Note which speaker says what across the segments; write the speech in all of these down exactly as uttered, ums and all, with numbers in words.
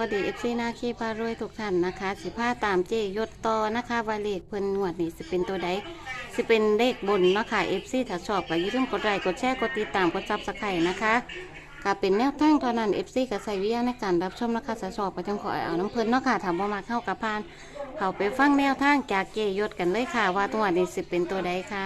Speaker 1: วัสดีเอฟซีหน้าขี้พารวยทุกท่านนะคะสิผ้าตามเจยศต่อนะคะว่าเลขเพิ่นงวดนี้สิเป็นตัวใดสิเป็นเลขบนเนาะค่ะเอฟซีถ้าชอบก็อย่าลืมกดไลค์กดแชร์กดติดตามกดซับสไครต์นะคะก็เป็นแนวทางเท่านั้นเอฟซีก็ใส่วิทยาในการรับชมนะคะถ้าชอบก็จังขอเอาน้ำเพิ่นเนาะค่ะถามว่ามาเข้ากับพานเขาไปฟังแนวทางจากเจยศกันเลยค่ะว่าตัวนี้สิเป็นตัวใดค่ะ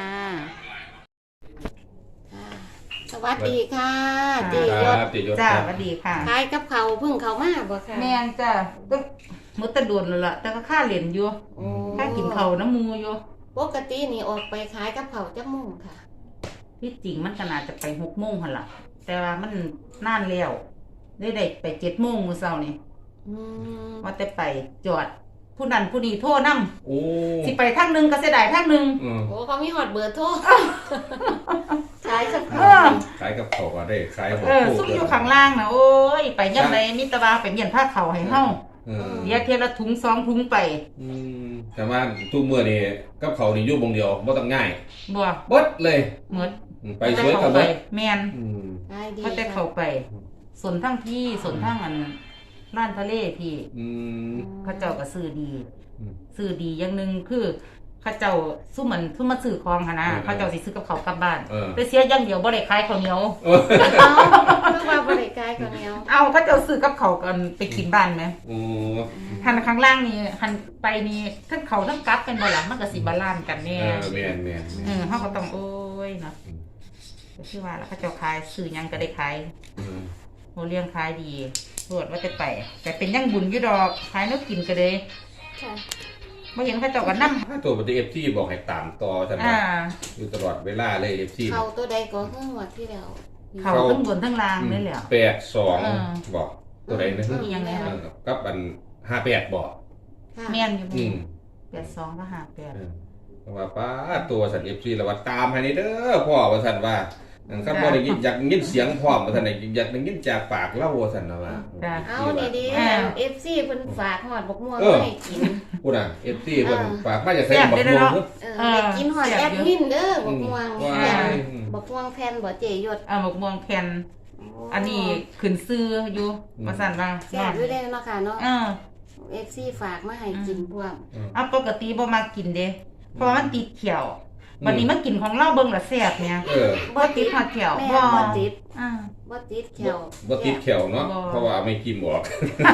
Speaker 1: สวัสดีค่ะเจยศ
Speaker 2: เจยศ
Speaker 3: จ้า
Speaker 2: ครับ
Speaker 3: สวัสดีค่ะ
Speaker 1: ขายกับเขาวเพิ่งเขามาบ่ค่ะ
Speaker 3: แม่นจ้าต้องมือตะโดนแล้วล่ะแต่ก็ค่าเหรียญอยู่
Speaker 1: โอ้
Speaker 3: ค่ากินเขาวน้ำมูอยู่
Speaker 1: ปกตินี่ออกไปขายกับเขาวจักโมงค่ะ
Speaker 3: ที่จริงมันขนาดจะไปหกโมงหั่นล่ะ แต่ว่ามันนานแล้วได้ได้ไปเจ็ดโมงมื้อเช้านี่
Speaker 1: อืม
Speaker 3: ว่าแต่ไปจอด ผู้นั้นผู้นี้โทรนำ
Speaker 2: โอ้
Speaker 3: สิไปทางหนึงก็เสียดายทางหนึง
Speaker 2: อืม
Speaker 1: โอ้เขามีหอดเบอร์โทรขายกับ
Speaker 3: เอ
Speaker 1: เขาว
Speaker 3: อ
Speaker 2: ขายกับเขาก็ได้ขายหัว
Speaker 3: เออ
Speaker 2: โขก
Speaker 3: ซุ่มอยู่ข้างล่างนะโอ้ยไปยามใดมีแตะว่าไปเมียนผ้าเขาวให้เฮา
Speaker 2: เออ
Speaker 3: เดี๋ยวเทียละถุงสองถุงไป
Speaker 2: อืมแต่ว่าทุกมื้อนี่กับเขานี่อยู่วงเดียวบ่ต้องง่าย
Speaker 3: บ่
Speaker 2: เบดเลย
Speaker 3: หมด
Speaker 2: อืมไปสวยกับ
Speaker 3: ไป
Speaker 2: เบิด
Speaker 3: แม่น
Speaker 2: อืม
Speaker 1: ขายดี
Speaker 3: เขาแต่เข้าไปสนทั้งพี่สนทั้งอันร้านทะเลพี่
Speaker 2: อืม
Speaker 3: เขาเจ้าก็ซื้อดี
Speaker 2: อืม
Speaker 3: ซื้อดีอย่างหนึงคือเขาเจ้าสู้เหมือนสู้มาซื้อของหั่นนะ
Speaker 2: เออ
Speaker 3: เขาเจ้าสิซื้อกับเขาวกลับบ้าน
Speaker 2: เออ
Speaker 3: ไปเสียอย่างเดียวบ่ได้ขายข้าวเหนียว
Speaker 2: เออ
Speaker 1: เอาเพื่อว่าบริการกับเนี้ย
Speaker 3: เอาเขาเจ้าซื้อกับเขาวกันไปกินบ้านไหม
Speaker 2: โอ้
Speaker 3: หันข้างล่างนี่หันไปนี่ทั้งเขาทั้งกลับกันบ่ล่ะมันก็สิบาลานซ์กัน
Speaker 2: เอ
Speaker 3: แน่
Speaker 2: อแม่นแม่น
Speaker 3: เอ
Speaker 2: แม่น
Speaker 3: อเฮาก็ต้องโอ้ยเนาะ
Speaker 2: อืม
Speaker 3: ก็คือว่าแล้วเขาเจ้าขายซื้อหยังก็ได้ขาย
Speaker 2: อืม
Speaker 3: โหเลี้ยงขายดีรวดว่าจะไปแต่เป็นยังบุญอยู่ดอกขายแนวกินก็เลย
Speaker 1: ค่ะ
Speaker 3: บ่เห็นเขาเจ้าก็นำ
Speaker 2: ถ้าตัวปฏิ เอฟ ซี บอกให้ตามต่อซั่น
Speaker 3: อ่า
Speaker 2: ว่าอยู่ตลอดเวลาเลย เอฟ ซี
Speaker 1: เขาตัวใดก็เพิ่งวัดที่แล้ว
Speaker 3: เขาทั้งบนทั้งล่างนี่แหละ
Speaker 2: แปดสอง
Speaker 3: เออ
Speaker 2: บอกตัวใดนะ
Speaker 3: อีหยังไง
Speaker 2: เออกับอันห้าแปดบอก
Speaker 1: ค่ะ
Speaker 3: แม่นอยู่
Speaker 2: อืม
Speaker 3: แปดสองก็ห้าแปด
Speaker 2: เออว่าป้าตัวสันเอฟซีแล้วว่าตามให้นี่เด้อพ่อว่าสันว่าครับบ่ได้ยินอยากยินเสียงพ่อว่าสันได้อยากได้ยินจากปากเล่าว่าสันนะว่า
Speaker 1: เอานี่ดีเอฟซีเพิ่นฝากหอดบกม่วงให้กิน
Speaker 2: พูดน่ะเอฟซีเพิ่นฝากมาจากไสบักม่วง
Speaker 1: เออได้กินหอดแอดมินเด้อบกม่วง
Speaker 2: ว้า
Speaker 1: แผ่น
Speaker 2: ย
Speaker 1: บกม่วงแผ่นบ่เจยศ
Speaker 3: อ่าหมกม่วงแผ่นอันนี้ขึ้นซื้ออยู่ว่าซั่นว่า
Speaker 1: แซ่บด้วยได้เนาะค่ะเนาะ
Speaker 3: เออ
Speaker 1: เอฟซีฝากมาให้กินพวก
Speaker 3: เอาปกติบ่มากินเด้เพราะมันติดเขียววันนี้มากินของเราเบิ่งละแซ่บเนี่ย
Speaker 2: เออ
Speaker 3: บ่ติดหอดเขียว
Speaker 1: แม่
Speaker 3: บ่
Speaker 1: บ่ติด
Speaker 3: อ่า
Speaker 1: บ่ติดแขว
Speaker 2: บ่ติดแขวเนาะ
Speaker 3: บ่
Speaker 2: เพราะว่าไม่กินออก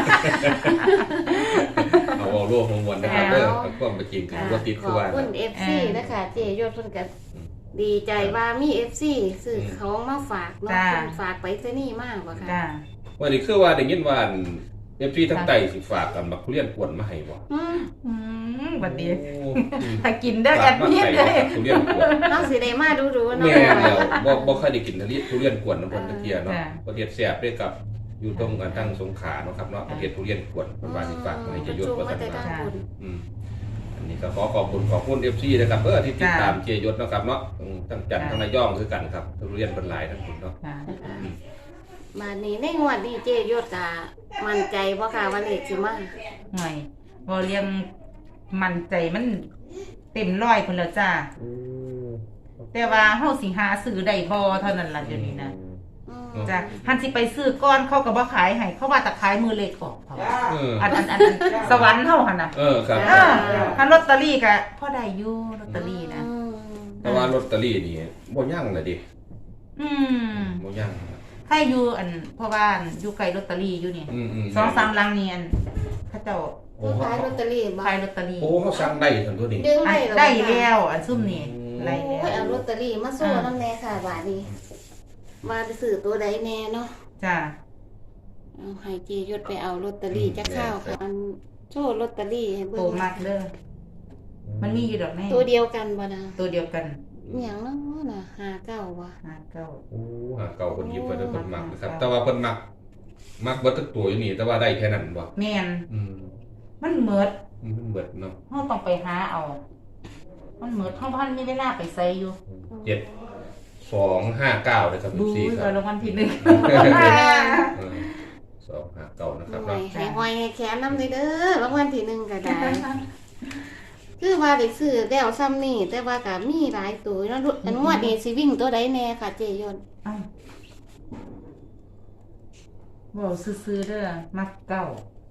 Speaker 2: เอาเอาโลกของมวลนะครับเด้อเอาความบ่จริงคือบ่ติด
Speaker 1: ข
Speaker 2: คือ
Speaker 1: อบ
Speaker 2: ว่า
Speaker 1: คุณเอฟซีนะคะเจยศเพิ่นก็ดีใจว่ามีเอฟซีซื้อของมาฝากเนาะเพิ่นฝากไปซะนี่มากบ่ค่ะ
Speaker 3: จ้า
Speaker 2: วันนี้คือว่าได้ยินว่าเอฟซีทั้งไตสิฝากกันบักทุเรียนกวนมาให้บ่
Speaker 1: อืม
Speaker 3: อืมบัดนี้
Speaker 2: โอ้อืม
Speaker 3: ถ้ากินเด้อแอ
Speaker 2: ฝาก
Speaker 3: ด
Speaker 2: มา
Speaker 3: มิน
Speaker 2: ให้
Speaker 3: เด้อ
Speaker 2: บักทุเรียนกวน
Speaker 1: น้องสิได้มาดูๆเนาะ
Speaker 2: แม่นแล้วบ่บ่เคยได้กินทุเรียนทุเรียนกวนน้ำเพิ่นตะเกียเนาะประเทศแซ่บด้วยกับอยู่ตรงกันทั้งสงขลาเนาะครับเนาะประเทศทุเรียนกวนเพิ่นว่าสิฝากมาให้จะยศว่าซั่นว่า
Speaker 1: ว่า
Speaker 2: อืมอันนี้ก็ขอขอบคุณขอบคุณ เอฟ ซี นะครับเออที่ติดตามเจยศเนาะครับเนาะอืมทั้งจันทร์ทั้งระยองคือกันครับทุเรียนเพิ่นหลายทั้งคุณเนาะ
Speaker 3: จ้า
Speaker 1: มานี่ในงวดนี้เจยศก็มั่นใจบ่ค่ะว่าเลขสิมา
Speaker 3: หน่อยบ่เลี้ยงมั่นใจมันเต็มร้อยพุ่นแล้วจ้า
Speaker 2: อืม
Speaker 3: แต่ว่าเฮาสิหาซื้อได้บ่เท่านั้นล่ะเดี๋ยวนี้นะ
Speaker 1: อืม
Speaker 3: จ้ะหันสิไปซื้อก้อนเขาก็บ่ขายให้เขาว่าแต่ขายมือเล็กออกเขา
Speaker 2: เออ
Speaker 3: อันอันอันอันสวรรค์เฮาหั่นน่ะ
Speaker 2: เออครับ
Speaker 3: เออคันลอตเตอรี่ก็พอได้อยู่ลอตเตอรี่นะ
Speaker 1: อืม
Speaker 2: แต่ว่าลอตเตอรี่นี่บ่ยั่งเลยดิ
Speaker 3: อืม
Speaker 2: บ่ยั่ง
Speaker 3: ใครอยู่อันเพราะว่าอันอยู่ไกลลอตเตอรี่อยู่นี่
Speaker 2: อืมอืม
Speaker 3: สองสามหลังนี่อันเขาเจ้า
Speaker 2: โอ้
Speaker 1: ผู้ขายลอตเตอรี่บ่
Speaker 3: ขายลอตเตอรี่
Speaker 2: โอ้เขาสั่งได้ซั่นตัวนี้
Speaker 1: ดึง
Speaker 3: อั
Speaker 1: ได้
Speaker 3: น
Speaker 1: เหรอ
Speaker 3: ได้แล้วอันซุ่มนี่
Speaker 2: อืม
Speaker 3: ได้
Speaker 1: โอ้
Speaker 3: แล้
Speaker 1: ยว เอาลอตเตอรี่มาสู้นำแน่ค่ะบาดนี้มาไปซื้อตัวใดแน่เนาะ
Speaker 3: จ้ะ
Speaker 1: เอาให้เจยศไปเอาลอตเตอรี่จักข้าวค่ะอันโชว์ลอตเตอรี่ให้
Speaker 3: โต
Speaker 1: เบิ่ง
Speaker 3: มากเด้อมันมีอยู่ดอกแม่
Speaker 1: ตัวเดียวกันบ่นะ
Speaker 3: ตัวเดียวกัน
Speaker 1: อหย่างเนาะน่ะห้าเก้าว่ะ
Speaker 3: ห้าเก้า
Speaker 2: โอ้หาเก่าคนหยิบไปแล้วเพิ่นมักนะครับ แต่ว่าเพิ่นมักมักเบิดทุกตัวอยู่นี่แต่ว่าได้แค่นั้นบ่
Speaker 3: แม่น
Speaker 2: อืม
Speaker 3: มันเหมิด
Speaker 2: มันเบิดเนาะ
Speaker 3: เราต้องไปหาเอา มันเหมือนท้องพันมีเวลาไปใส่อยู่
Speaker 2: เจ็ดสองห้าเก้าเลยครับ
Speaker 3: บู
Speaker 2: สี่ค
Speaker 3: กั
Speaker 2: รั
Speaker 3: บบ รางวัลที่หนึ่ง
Speaker 2: เออสองห้าเก้านะครับ
Speaker 1: หน่อ
Speaker 2: เนาะ
Speaker 1: ยให้หอยให้แขนน้ำเลยเด้อรางวัลที่หนึ่งก็ได้ คือว่าได้ซื้อแล้วซ้ำนี่แต่ว่าก็มีหลายตัวเนาะอันงวดนี้สิวิ่งตัวใดแน่ค่ะเจยน
Speaker 3: เอ้าบอกซื้อๆเด้อมักเก้า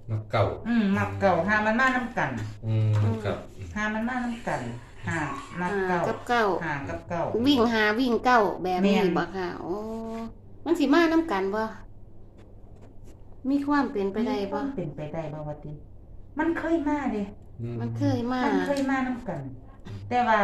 Speaker 2: มักเก่า
Speaker 3: อืมมักเก่าหามันมานํกัน
Speaker 2: อืมครับ
Speaker 3: หามันมานํกันหามัก
Speaker 1: หา
Speaker 3: เก่า
Speaker 1: กับเก้า
Speaker 3: หากับเก่า
Speaker 1: วิ่งหาวิ่งเก้าแบบนี้
Speaker 3: แม่น
Speaker 1: บ่ค่ะโอ้มันสิมาน้ำกันบ่มีความเป็นไปได้บ่
Speaker 3: มันเป็นไปได้บ่ว่าติมันเคยมาเด้
Speaker 2: อื
Speaker 1: มันเคยมา
Speaker 3: มันเคยมานํกัน แต่ว่า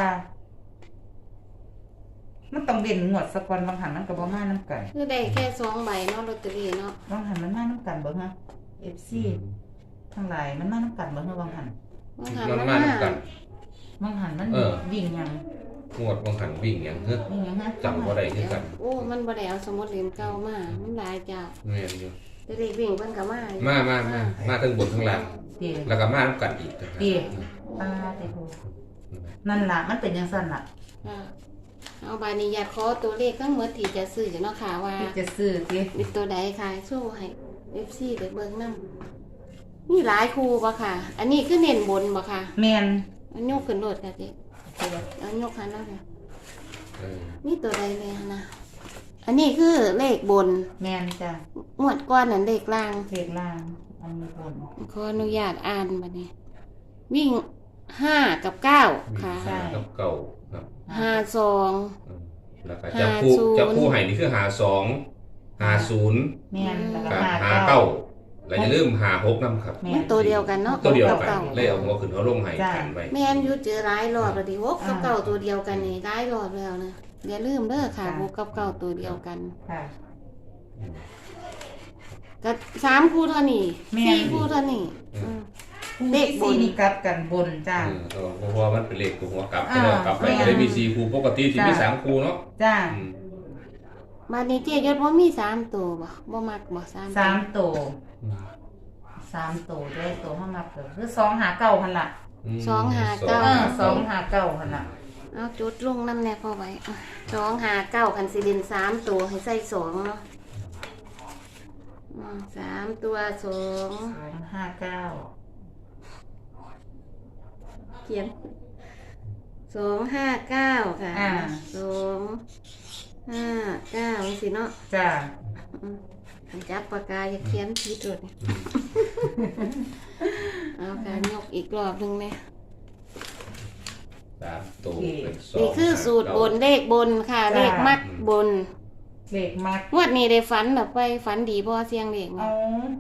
Speaker 3: มันต้องเด่นงวดสักวันบางหันมันก็บ่มานํกัน
Speaker 1: คือได้แค่สองใบเนาะลอตเตอรี่เนาะ
Speaker 3: บางหันมันมานํกันบ่ฮะ เอฟ ซี ทั้งหลายมันมานํกันบ่ฮะบางหัน
Speaker 1: บางหัน
Speaker 2: มัน
Speaker 1: มัน
Speaker 2: มา
Speaker 1: มา
Speaker 2: นํกัน
Speaker 3: บางหันมัน
Speaker 2: เออ
Speaker 3: วิ่งหยัง
Speaker 2: งวดบางหันวิ่งหยังเฮ้อ
Speaker 3: วิ่งหยังฮะ
Speaker 2: จำบ่ได้คือกัน
Speaker 1: โอ้มันบ่ได้เอาสมุดเล่มเก่ามามันหลายเจ้า
Speaker 2: แม่นอยู่
Speaker 1: แต่เด็กวิ่งเพิ่นก็มาอยู่
Speaker 2: มามามามาทั้งบนทั้งล่าง
Speaker 3: เดี๋ยว
Speaker 2: แล้วก็มานํกันอีกนะครับ
Speaker 3: เดี๋ยว ปาเตโหนั่นล่ะมันเป็นจังซั่นล่ะ
Speaker 1: ค่ะเอาบานี้อยากขอตัวเลขทั้งหมดที่จะซื้อเนาะค่ะว่า
Speaker 3: ที่จะซื้อติ
Speaker 1: มีตัวใดค่ะโชว์ให้ เอฟ ซี ได้เบิ่งนำมีหลายคู่บ่ค่ะ อันนี้คือเน้นบนบ่ค่ะ
Speaker 3: แม่น
Speaker 1: อันยกขึ้นโลดค่ะเจ๊เอายกหันแล้วค่ะ
Speaker 2: เออ
Speaker 1: นี่ตัวใดเลยนะ อันนี้คือเลขบน
Speaker 3: แม่นจ้ะ
Speaker 1: หมวดก้อนนั่นเลขล่าง
Speaker 3: เลขล่างอันนี้บน
Speaker 1: ขออนุญาตอ่านบัดนี้ วิ่งห้ากับเก้าค่ะ
Speaker 2: มีห้ากับเก่าครับ
Speaker 1: ห้าสอง
Speaker 2: อืมแล้วก็จับคู่
Speaker 1: ห้าศูนย์
Speaker 2: จับคู่ให้นี่คือหาสองหาศูนย์
Speaker 3: แม่นแล้วก็
Speaker 2: กับ
Speaker 3: หา
Speaker 2: หา
Speaker 3: เก้า
Speaker 2: เก้าแล้วอย่าลืมหาหกนำครับ
Speaker 3: แม่
Speaker 1: มันตัวเดียวกันเนาะ
Speaker 2: ตัวเดียวกัน
Speaker 1: เก้า
Speaker 2: เลยเอาหัวขึ้นเขาลงให้
Speaker 3: จ้ะ
Speaker 2: กันไว้
Speaker 1: แม่นอยู่เจอหลายรอบแล้วดิหกกับเก้าตัวเดียวกันนี่หลายรอบแล้วนะอย่าลืมเด้อค่ะหกกับเก้าตัวเดียวกัน
Speaker 3: ค่ะ
Speaker 1: ก็สามคู่เท่านี้
Speaker 3: แม่น
Speaker 1: สี่คู่เท่านี้อืม เล
Speaker 3: เล
Speaker 1: ข
Speaker 3: ข
Speaker 1: บน
Speaker 3: สี่นี่กลับกันบนจ้า
Speaker 2: เออเพราะว่ามันเป็นเลขตัวหัวกลับ
Speaker 3: อ่า
Speaker 2: ก็เลยเอากลับไป
Speaker 3: แม่น
Speaker 2: ก็เลยมีสี่คู่ปกติที่มี
Speaker 3: จ้ะ
Speaker 2: สามคู่เนาะ
Speaker 3: จ้า
Speaker 2: อืม
Speaker 1: มานี้เจ๊ยศว่ามีสามตัวบ่บ่มักบ่สาม
Speaker 3: สามตัวสามตัวด้วยตัวห้ามักก็คือสองหาเก้าหันละ
Speaker 2: ม
Speaker 1: สองหาเก้า
Speaker 3: เออสองหาเก้าหันละ
Speaker 1: เอาจุดลงน้ำแน่พอไว้อ่ะสองหาเก้าคันสิเด่นสามตัวให้ใส่สองเนาะอืมสามตัวสอง
Speaker 3: สองห้าเก้า
Speaker 1: เขียนสองห้าเก้าค่ะ
Speaker 3: อ่า
Speaker 1: สองห้าเก้าสิเนาะ
Speaker 3: จ้า
Speaker 1: อืมอันจับปากกาอย่าเขียนผิดเลย เอาการยกอีกรอบหนึ่งเนี่ย
Speaker 2: สามตัวเป็นสอง
Speaker 1: นี่คือสูตรบนเลขบนค่ะ เลขมัดบน
Speaker 3: เลขมัก
Speaker 1: งวดนี้ได้ฝันแบบไปฝันดีพอเสียงเลขไหม
Speaker 3: เอา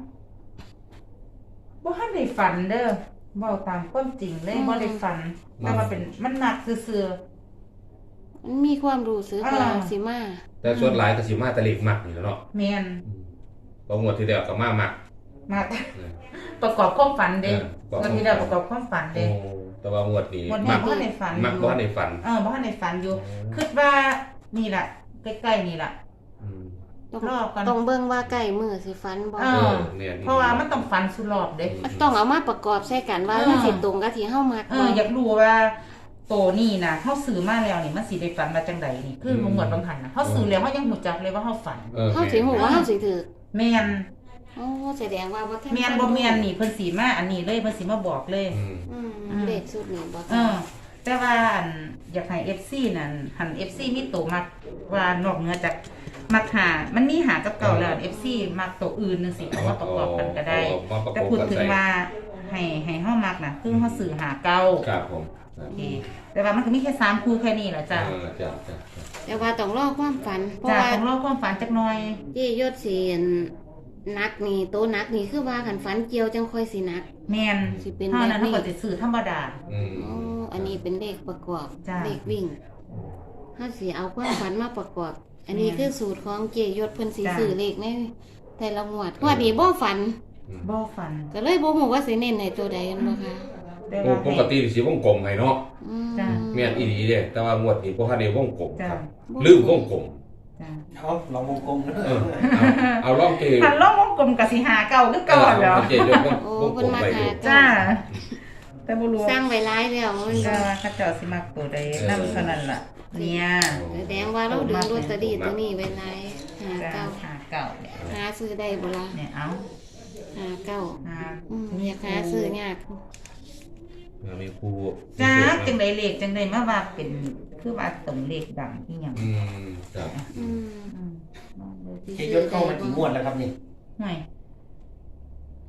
Speaker 3: บ่ทันได้ฝันเด้อเว้าตามความจริงเลยบ่ได้ฝันแต่ว่าเป็นมันมักซื่อ
Speaker 1: มันมีความรู้สึกว่า
Speaker 3: อ่า
Speaker 1: สิมา
Speaker 2: แต่ส่วนหลายก็สิมาแต่เลขมักนี่แหล้วเนาะ
Speaker 3: ๆแม่น
Speaker 2: อืมบางงวดที่แล้วก็มามัก
Speaker 3: มัก
Speaker 2: เออ
Speaker 3: ประกอบความฝันเด้
Speaker 2: เออประกอบ
Speaker 3: วันที่เราประกอบความฝัน
Speaker 2: โอ้
Speaker 3: เด้
Speaker 2: แต่ว่างวดนี้
Speaker 3: วันนี้
Speaker 2: มัก
Speaker 3: บ่ทันได้ฝัน
Speaker 2: มัก
Speaker 3: อยู่
Speaker 2: บ่ทันได้ฝัน
Speaker 3: เออบ่ทันได้ฝันอยู่คิดว่านี่ล่ะใกล้ๆนี่ล่ะ
Speaker 2: อืม
Speaker 1: ต้อง
Speaker 3: รอบก่อน
Speaker 1: ต้องเบิ่งว่าใกล้มือสิฝันบ่
Speaker 3: เอ
Speaker 2: เอ
Speaker 3: อ
Speaker 2: อเนี่ย
Speaker 3: เพราะว่ามันต้องฝันสุดรอบเด้
Speaker 1: ต้องเอามาประกอบใส่กันว่า
Speaker 3: เออ
Speaker 1: มันสิตรงกับที่เฮามัก
Speaker 3: เอ
Speaker 1: บ่
Speaker 3: ออยากรู้ว่าโตนี่นะเฮาซื้อมาแล้วนี่มันสิได้ฝันมาจังไดนี่คือบ่เหมือนบางหันน่ะเฮาซื้อแล้วเฮายังหูจักเลยว่าเฮาฝัน
Speaker 2: ออ
Speaker 1: เฮาสิฮู้ว่าเฮาสิถูก
Speaker 3: แม่น
Speaker 1: โอ้แสดงว่าบ่ทัน
Speaker 3: แม่นบ่แม่นนี่เพิ่นสิมาอันนี้เลยเพิ่นสิมาบอกเลย
Speaker 2: อืม
Speaker 1: อืม
Speaker 3: อืม
Speaker 1: เลขสุดนี่บ่
Speaker 3: เออ แต่ว่าอันอยากให้ เอฟ ซี นั่นหัน เอฟ ซี มีโตมักว่านอกเหนือจากมักหามันมีหากับเก่าแล้ว เอฟ ซี มักโตอื่นจังซี่เอามาประกอบกันก็ได้
Speaker 2: เอามาประก
Speaker 3: แต่
Speaker 2: อบ
Speaker 3: พูด
Speaker 2: กัน
Speaker 3: ถึง
Speaker 2: ใส่
Speaker 3: ว่าให้ให้เฮามักน่ะคือเฮาซื้อหาเก่า
Speaker 2: ครับผมครั
Speaker 3: โอบ เคแต่ว่ามันก็มีแค่สามคู่แค่นี้แหละจ้ะ
Speaker 2: เออจ้ะจ้ะจ้ะ
Speaker 1: แต่ว่าต้องรอความฝัน เพราะ
Speaker 3: จ้ะ
Speaker 1: ว่า
Speaker 3: ต้องรอความฝันจักหน่อย
Speaker 1: เจยศสินักนี่โตนักนี่คือว่าคันฝันเกี่ยวจังค่อยสินัก
Speaker 3: แม่น
Speaker 1: สิเป็น
Speaker 3: เท่านั้น
Speaker 1: แบบนี้
Speaker 3: เฮาก็สิซื้อธรรมดา
Speaker 2: อืม
Speaker 1: อ๋ออันนี้เป็นเลขประกอบ
Speaker 3: จ้ะ
Speaker 1: เลขวิ่งถ้าสิเอาความฝันมาประกอบ อันนี้
Speaker 3: แม่น
Speaker 1: คือสูตรของเจยศเพิ่นสิ
Speaker 3: จ้ะ
Speaker 1: ซื้อเลขในแต่ละงวดงวดนี้บ่ฝัน
Speaker 3: บ่ฝัน
Speaker 1: ก็เลยบ่ฮู้ว่าสิเน้นให้ตัวใดกันบ่ค่ะ
Speaker 3: แต่
Speaker 2: โอ้
Speaker 3: ว่า
Speaker 2: ปกติสิวงกลมให้เนาะ
Speaker 1: อืม
Speaker 3: จ้ะ
Speaker 2: แม่นอีหลีเด้แต่ว่างวดนี้บ่ทันได้วงกลม
Speaker 3: จ้ะ
Speaker 2: ครับลืมวงกลม
Speaker 3: จ้ะ
Speaker 4: เอาลองวงกลม
Speaker 2: เออเอาเอาลองเก
Speaker 3: หันลองวงกลมก็สิหาเก่าคือเก่าแล้ว
Speaker 2: เออเกยกวง
Speaker 1: โอ้
Speaker 2: วงก
Speaker 1: เพิ่
Speaker 2: ล
Speaker 1: น
Speaker 2: ม
Speaker 1: มา
Speaker 2: ไป
Speaker 1: หา
Speaker 2: ดู
Speaker 3: จ้า แต่บ่รู้
Speaker 1: สร้างไว้หลายแล้วมัน
Speaker 3: จ้าเขาเจ้าสิมักตัวใดนำเท่านั้นล่ะ เนี่ย
Speaker 1: แสดงว่าเราดึงลอตเตอรี่ตัวนี้ไว้หลายหา
Speaker 3: จ้า
Speaker 1: เก้า
Speaker 3: หาเก่าเนี่ย
Speaker 1: หาซื้อได้บ่ล่ะ
Speaker 3: เนี่ยเอา
Speaker 1: หาเก้า
Speaker 3: หา
Speaker 1: อืมอยากหาซื้อยาก
Speaker 2: เออมีครู
Speaker 3: จ้าจังไดเลขจังไดมาว่าเป็นคือว่าตรงเลขดังอีหยัง
Speaker 2: อืมครับ
Speaker 1: อืม
Speaker 3: อืมลองดูสิ
Speaker 4: เจยศเข้ามากี่งวดแล้วครับนี่
Speaker 3: ห่วย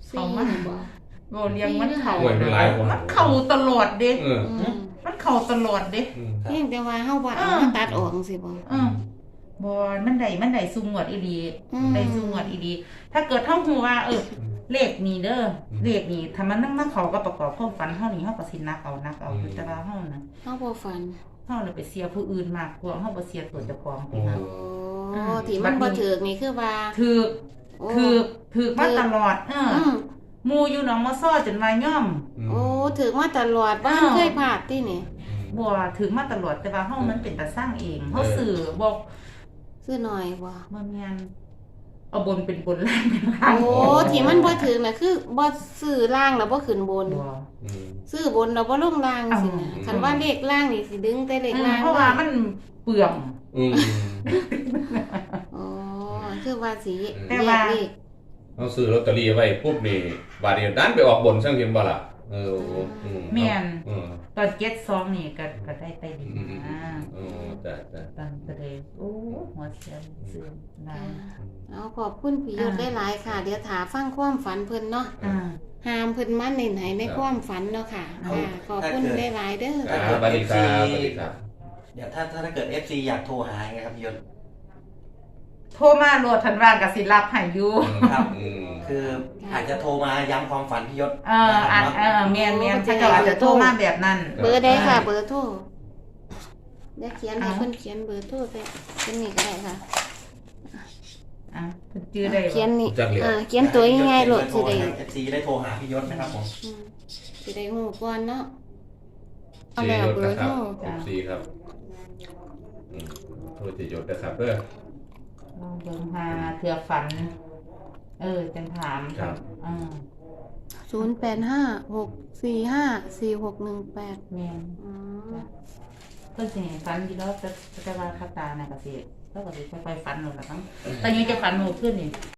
Speaker 3: เขามา
Speaker 1: สี่บ่
Speaker 3: บ่เลี้ยงมันเข้า
Speaker 2: โอ้ยมันหลายคน
Speaker 3: มันเข้าตลอดเด้
Speaker 2: เออ
Speaker 1: อืม
Speaker 3: มันเข้าตลอดเด้
Speaker 2: อืม
Speaker 1: เพียงแต่ว่าเฮาบ่เอา
Speaker 3: อ่า
Speaker 1: มาตัดออกสิบ่
Speaker 3: เออบ่มันได้มันได้ซุงวดอีหลี
Speaker 1: อืม
Speaker 3: ได้ซุงวดอีหลีถ้าเกิดเฮาฮู้ว่า เออ เลขนี้เด้อเลขนี้ถ้ามันนำมาเข้ากับประกอบความฝันเฮานี่เฮาก็สินักเอานักเอาคือแต่ว่าเฮาน่ะ
Speaker 1: เฮาบ่ฝัน
Speaker 3: เฮาเลยไปเสียผู้อื่นมากกว่าเฮาบ่เสียตัวเจ้าของ
Speaker 2: โอ้
Speaker 3: พี่นะ
Speaker 1: โอ้
Speaker 3: อ่า
Speaker 1: ที่มันบ่ถูกนี่คือว่า
Speaker 3: ถูก
Speaker 1: โอ้
Speaker 3: ถูกถูกมาตลอดเออ
Speaker 1: อืม
Speaker 3: หมู่อยู่หนองมะซ้อจนว่าย่อม
Speaker 1: โอ้ถูกมาตลอดบ้าน
Speaker 3: อ้าว
Speaker 1: เคยพลาดที่นี่
Speaker 3: บ่ถูกมาตลอดแต่ว่าเฮามันเป็นตาสร้างเองเฮาสื่อบอก
Speaker 1: ซื้อหน่อยบ่
Speaker 3: บ่แม่นเอาบนเป็นบนล่างเป็นล่าง
Speaker 1: โอ้ที่มันบ่ถูกน่ะคือบ่ซื้อล่างแล้วบ่ขึ้นบน
Speaker 3: บ่
Speaker 2: อืม
Speaker 1: ซื้อบนแล้วบ่ลงล่างสินะ
Speaker 2: อ้าว
Speaker 1: คันว่าเลขล่างนี่สิดึงแต่เลข
Speaker 3: เออ
Speaker 1: ล่าง
Speaker 3: เพราะว่ามันเปลือง
Speaker 2: อืม
Speaker 1: อ๋อคือว่าสิ
Speaker 3: แต่
Speaker 1: แย
Speaker 3: ว่า
Speaker 1: กเลข
Speaker 2: เอาซื้อลอตเตอรี่ไว้ปุ๊บนี่บาดเดียวดันไปออกบนซั่งเห็นบ่ล่ะเอออืม
Speaker 3: แม่น
Speaker 2: อืม
Speaker 3: ตอนเจ็ดสองนี่ก็ก็ได้ใต้ดิน
Speaker 2: อืมอืม
Speaker 3: อ่า
Speaker 2: อืมจ้ะจ้ะ
Speaker 3: ตอนก็เลยโอ้หัวเสียเสื่อมลา
Speaker 1: เอาขอบคุณพี่ยศ
Speaker 3: อ่า
Speaker 1: หลายๆค่ะ เดี๋ยวถาฟังความฝันเพิ่นเนาะ
Speaker 3: อ่า
Speaker 1: หามเพิ่นมาเน้นให้ในความฝันเนาะค่ะ
Speaker 3: เอา
Speaker 1: ค่ะขอบคุณหลายๆเด้อ
Speaker 2: อ่าสวัสดีครับสวัสดีครับ
Speaker 4: เดี๋ยวถ้าถ้าถ้าเกิด เอฟ ซี อยากโทรหาไงครับพี่ยศ
Speaker 3: โทรมาโหลดทันว่างกับสิรับให้อยู่
Speaker 4: ครับ
Speaker 2: อืม
Speaker 4: คืออาจจะโทรมาย้ำความฝันพี่ยศ
Speaker 3: เอออ่านเออเมียนเมียนถ้าเจ้าอาจจะโทรมาแบบนั้น
Speaker 1: เบอร์ได้ค่ะ เบอร์โทรเดี๋ยวเขียนให้
Speaker 3: เอา
Speaker 1: เพิ่นเขียนเบอร์โทรไปเขียนนี่ก็ได้ค่ะ
Speaker 3: อ่ะเพิ่นจื้อได้บ่
Speaker 1: เขียนนี่
Speaker 2: จักเหลียว
Speaker 1: อ่าเขียนตัวง่ายๆโหลดสิได้
Speaker 4: เอฟซีได้โทรหาพี่ยศนะครับผม
Speaker 1: อืมสิได้ฮู้ก่อนเนาะเอา
Speaker 2: เจ
Speaker 1: แล้ว
Speaker 2: ยศ
Speaker 1: เบอ
Speaker 2: นะ
Speaker 1: ร์
Speaker 2: ค
Speaker 1: โท
Speaker 2: รั
Speaker 1: ร
Speaker 2: บสิบสี่ครับอืมโทษเจยศนะครับเด้อ
Speaker 3: ลองเบิ่งหาเถื่อฝัน เออจังถาม
Speaker 2: ครับ
Speaker 3: อ่า
Speaker 1: ศูนย์แปดห้าหกสี่ห้าสี่หกหนึ่งแปด
Speaker 3: แม่น
Speaker 1: อืม
Speaker 3: เพิ่นสิให้ฝันอยู่แล้วแต่แต่ว่าคาตาน่ะก็สิแล้วก็สิค่อยๆฝันเอาล่ะมั้งแต่ยังจะฝันหมู่ขึ้นนี่